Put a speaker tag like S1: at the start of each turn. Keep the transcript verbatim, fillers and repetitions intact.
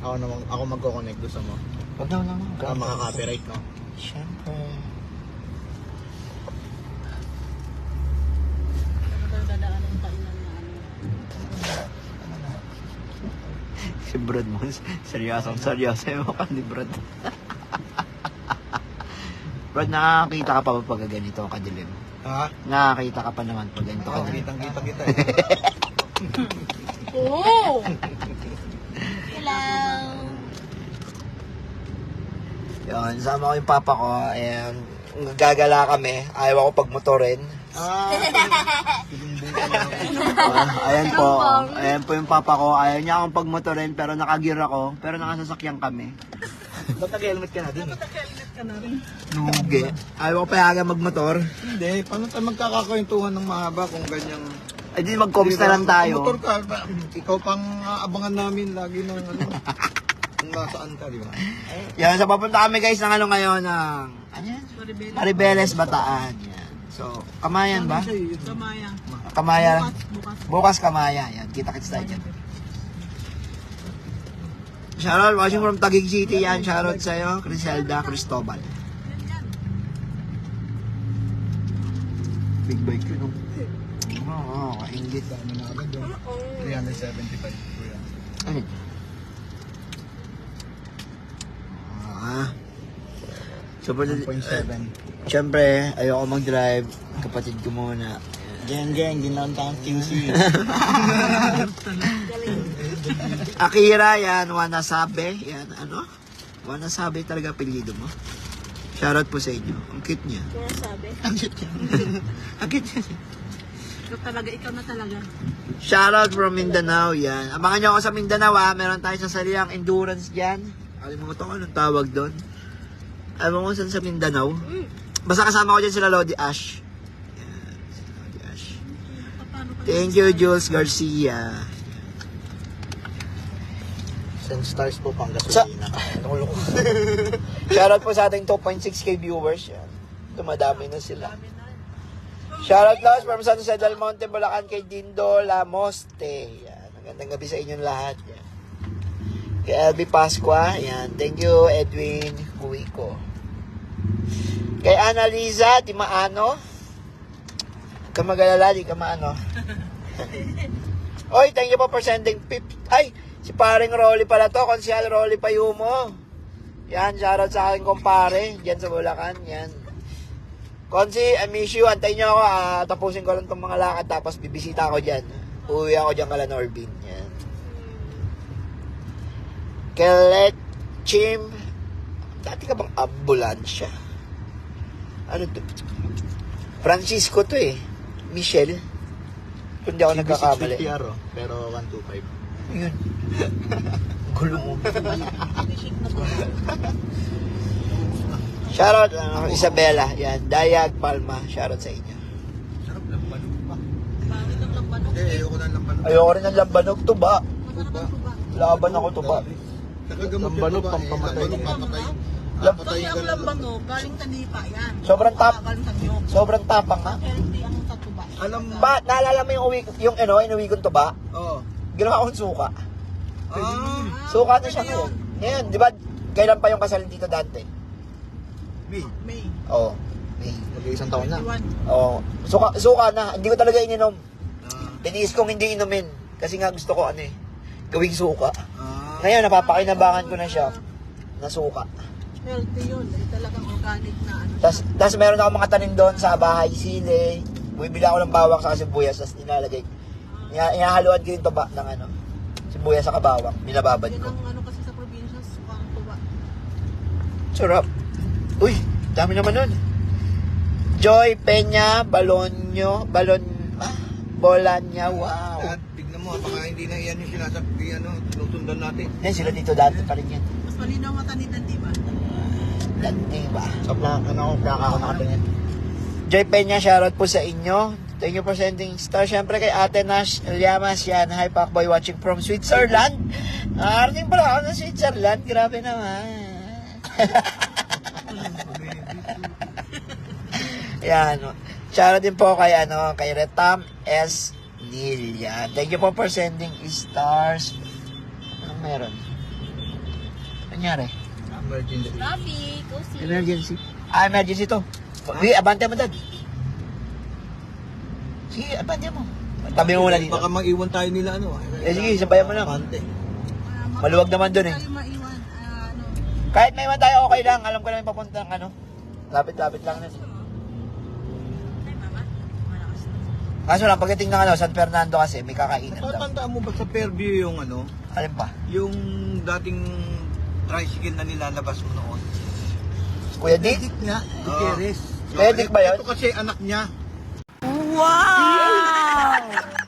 S1: Ako naman, ako magko-connect gusto mo.
S2: Wag na, wag na.
S1: Baka makaka-copyright, no?
S2: Siyempre. Si Brad mo, seryosong seryoso yung mukha ni Brad. Brad, nakakita ka pa ba pag ganito kadilim?
S1: Ha?
S2: Nakakita ka pa naman pag ganito
S1: Oo,
S2: kadilim?
S1: kitang-kita kita eh.
S3: Oo! Hello!
S2: Yun, sama ko yung papa ko, ayan, gagala kami, ayaw ako pagmotorin.
S1: Ah,
S2: Uh, ayan po, ayan po yung papa ko, ayaw niya akong pagmotorin pero nakagear ako, pero nakasasakyan kami.
S1: ba't nag-helmet ka na din?
S2: Nuge. Ayaw ko payagan magmotor.
S1: Hindi, paano tayo magkakakwentuhan ng mahaba kung ganyang...
S2: Ay di mag-coms na lang tayo.
S1: Motor ka, ba- ikaw pang aabangan namin lagi ng ano, kung nasaan ka, di ba?
S2: Yan, so papunta kami guys ng ano ngayon, ng, ano yan? Maribeles, Bataan. Yan. So, Kamayan ba?
S3: Kamaya.
S2: Kamaya.
S3: Bukas.
S2: Bukas Kamaya. Yan, kita-kits tayo dyan. Shoutout, watching from Taguig City yan. Shoutout sa'yo, Criselda Cristobal. Big bike yun, oh. Oo, oh, kaingit.
S1: Dami na agad yung three seventy-five ko yan.
S2: Ano? Ah. So, for
S1: one point seven.
S2: siyempre, ayoko mag-drive. Kapatid ko muna. Geng, geng, ginawan tayong Q C. Akira, yan. Wanasabe. Yan, ano? Wanasabe talaga apelyido mo. Shoutout po sa inyo. Ang cute niya.
S3: Kaya sabi.
S2: Ang cute niya. Ang cute niya.
S3: Ikaw talaga, ikaw na talaga.
S2: Shoutout from Mindanao, yan. Abangan nyo ako sa Mindanao, ha. Meron tayo sa saliang endurance dyan. Alimutan ko anong tawag doon. Alam mo kung saan sa Mindanao. Basta kasama ko dyan sila Lodi Ash. Yan, sila Lodi Ash. Thank you, Jules Garcia.
S1: Send stars po pang
S2: Sa-
S1: gasolina.
S2: Shoutout po sa ating two point six K viewers. Yan. Dumadami na sila. Shoutout Laos from San Jose del Monte, Bulacan kay Dindo Lamoste. Yan. Magandang gabi sa inyong lahat. Yan. Kay L B Pasqua. Yan. Thank you, Edwin Huico. Kay Annalisa Timaano. Huwag ka mag-alala, di ka maano. Oy, thank you po for sending pip. Ay, si paring Rolly pala to. Konsyal Rolly Payumo. Yan, shoutout sa aking kumpare. Diyan sa Bulacan. Yan. Konsi, I miss you. Antayin nyo ako. Ah, tapusin ko lang itong mga lakad. Tapos bibisita ako dyan. Uwi ako dyan kala Norbin. Yan. Kelet Chim. Dati ka bang ambulansya? Ano to? Francisco to eh. Michelle. Kung di ako nagkakamali.
S1: six fifty R, oh, pero one twenty-five.
S2: Yun. Gulo mo. Shoutout uh, Isabela. Yan. Dayag Palma. Shoutout sa inyo.
S1: Sarap lang, banog pa.
S3: Bakit ang lambanog?
S1: Hindi, ayoko na lang banog.
S2: Ayoko rin ng lambanog. Tuba.
S3: Masarap ang tuba.
S2: Laban ako tuba.
S1: Nakagamot
S4: Lambanog,
S1: yung tuba, eh.
S4: pampamatay.
S1: Lambanog, pampatay.
S2: Lam-
S3: Actually, ang lambanog, galing sa nipa yan.
S2: Sobrang tap.
S3: Galing sa niyog.
S2: Sobrang tapang ha.
S3: Healthy ang sa tuba.
S1: Alam mo,
S2: Ba, naalala mo yung uwi, yung ano, inuwi kong tuba?
S1: Oo.
S2: Ginawa kong suka.
S1: Ah,
S2: Suka na siya ngayon. Ngayon, di ba, kailan pa yung kasal ni Tito Dante?
S1: May.
S3: May.
S2: Oo. May.
S1: Mag-iisang taon na.
S3: twenty-one.
S2: Oo. Suka, suka na. Hindi ko talaga ininom.
S1: Ah.
S2: Tiniis kong hindi inumin. Kasi nga gusto ko ano eh, gawing suka.
S1: Ah.
S2: Ngayon, napapakinabangan ko na siya na suka.
S3: Healthy yun. Eh, talagang organic na ano.
S2: Tapos, tapos meron ako mga tanim doon sa bahay, sili. Bumibili ako ng bawang sa sibuyas, tapos nilalagay. Ina- Inahaluan ko yung tuba ng ano, sibuyas sa kabawang. Binababad
S3: Yan
S2: ko.
S3: ang ano kasi sa probinsya, sukang tuba.
S2: Sarap. Uy, dami naman nun. Joy Peña Balonyo, Balon, ah, Bolanya, wow.
S1: At tignan mo, baka hindi na yan yung sinasabi, ano, tinutundan natin.
S2: Yan sila dito dati pa rin yan.
S3: Mas malinaw mata ni Dan, di ba?
S2: Dati ba?
S1: Sa plan, ano, kaka ako nakatingin.
S2: Joy Peña, shoutout po sa inyo. Thank you for sending star. Siyempre kay Ate Nash Llamas yan. Hi, Pacboy, watching from Switzerland. Nakarating pala ako ng Switzerland. Grabe naman. Yan. Shoutout din po kay, ano, kay Retam S. Neil. Yan. Thank you po for sending stars. Anong meron? nangyari?
S1: Emergency.
S4: Traffic, O C.
S2: Emergency. Ah, emergency to. Sige, abante mo, Dad. Sige, abante mo. Tabi mo muna dito.
S1: Baka mag-iwan tayo nila ano.
S2: Eh, sige, sabayan mo lang.
S1: Abante.
S3: Ah,
S2: Maluwag naman dun eh.
S3: Tayo maiwan. Ah, ano.
S2: Kahit may iwan tayo, okay lang. Alam ko namin papuntang ano. Lapit-lapit lang nun.
S4: Ay, mama. Malakas na.
S2: Kaso lang, pagdating ng ano, San Fernando kasi, may kakainan daw.
S1: Natatandaan mo ba sa Fairview yung ano?
S2: Alin pa?
S1: Yung dating tricycle na nilalabas mo noon?
S2: Kuya Dick?
S1: Dick niya,
S2: Oo.
S1: Gutierrez.
S2: Kuya Dick ba yun?
S1: Ito kasi anak niya.
S4: Wow!